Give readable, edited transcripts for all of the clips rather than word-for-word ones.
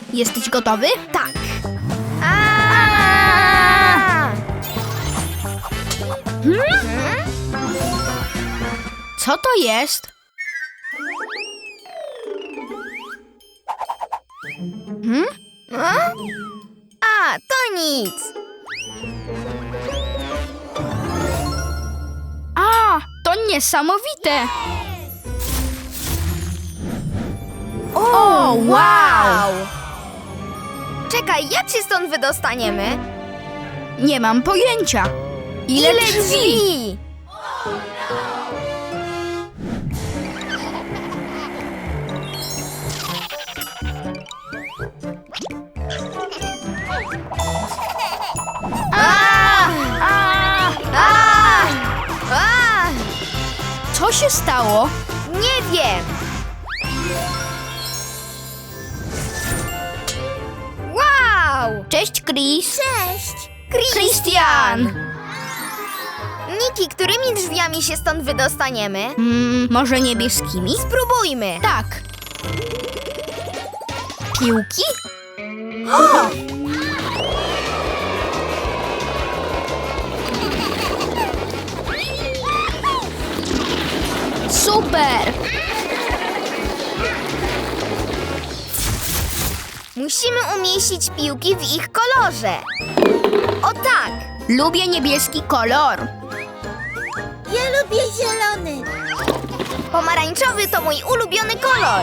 Jesteś gotowy? Tak. Co to jest? To nic. To niesamowite! O, wow! Czekaj, jak się stąd wydostaniemy? Nie mam pojęcia. Ile drzwi? drzwi? Co się stało? Nie wiem. Wow! Cześć, Chris. Cześć! Christian! Niki, którymi drzwiami się stąd wydostaniemy? Może niebieskimi? Spróbujmy. Tak. Piłki? Super! Musimy umieścić piłki w ich kolorze. O tak! Lubię niebieski kolor. Ja lubię zielony. Pomarańczowy to mój ulubiony kolor.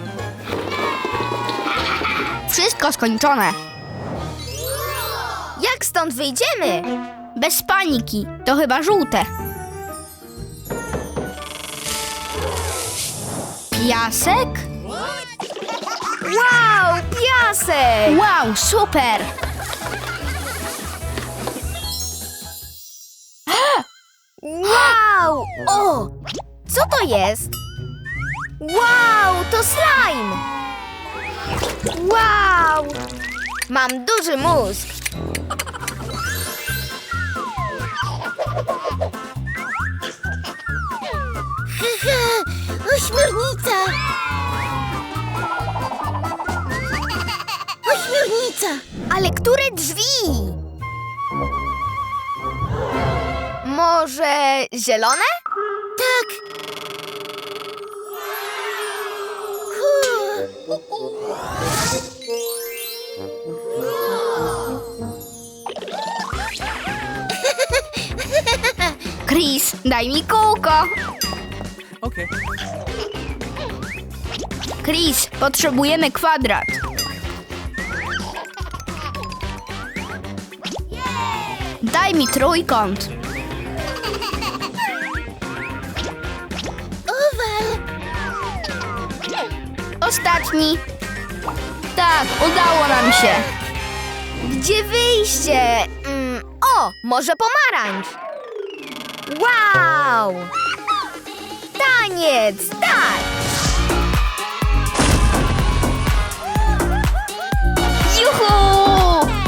Wszystko skończone. Jak stąd wyjdziemy? Bez paniki. To chyba żółte. Piasek? Wow, piasek! Wow, super! Wow! O! Co to jest? Wow, to slime! Wow! Mam duży mózg. Ośmiornica! Ośmiornica! Ale które drzwi? Może zielone? Tak. Chris, daj mi kółko. Okay. Chris, potrzebujemy kwadrat. Daj mi trójkąt. Owal. Ostatni. Tak, udało nam się. Gdzie wyjście? O, może pomarańcz. Wow! Taniec, tak! Juhu!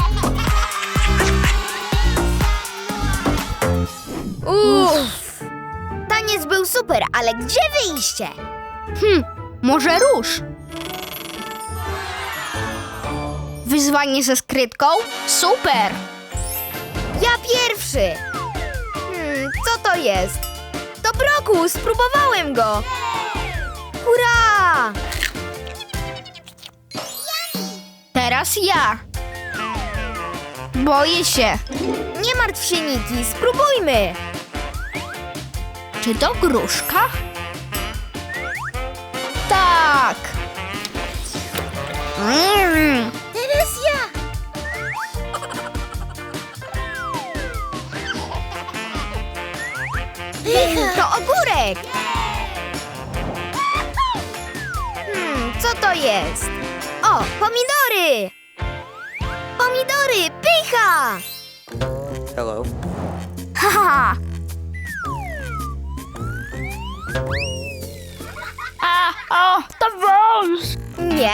Uff! Taniec był super, ale gdzie wyjście? Może róż? Wyzwanie ze skrytką? Super! Ja pierwszy! Co to jest? To brokus, spróbowałem go! Hurra! Teraz ja. Boję się. Nie martw się, Niki, spróbujmy! Czy to gruszka? Tak. Teraz ja! To ogórek! Co to jest? O, pomidory! Pomidory, pycha! Hello. Haha. O, to wąż. Nie,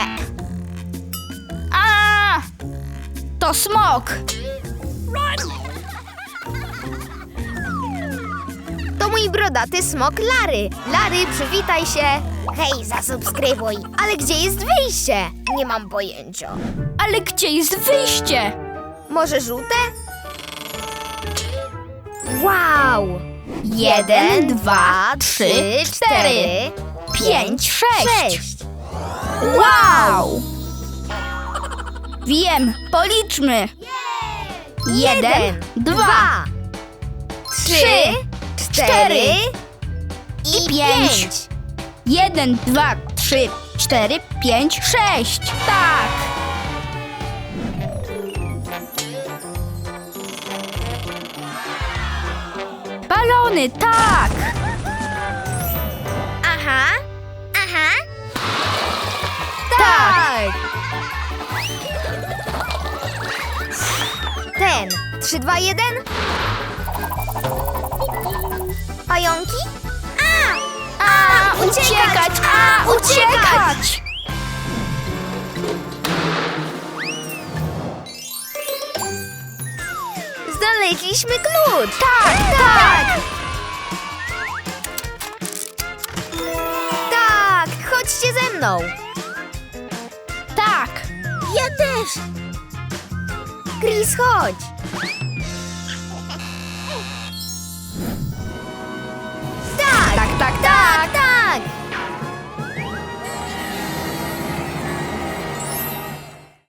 To smok. to mój mój brodaty smok Lary. Lary, przywitaj się. Hej, zasubskrybuj. Ale gdzie jest wyjście? Nie mam pojęcia. Ale gdzie jest wyjście? Może żółte? Wow! 1, 2, 3, 4, 5, 6. Wow! Wiem, policzmy. 1, 2, 3, 4 4 i 5. 5. 1, 2, 3, 4, 5, 6. Tak. Balony, tak. Aha, aha. Tak. Ten. 3, 2, 1. Pająki? Uciekać! Uciekać! Znaleźliśmy klucz. Tak, tak. Tak, chodźcie ze mną. Tak. Ja też. Chris, chodź.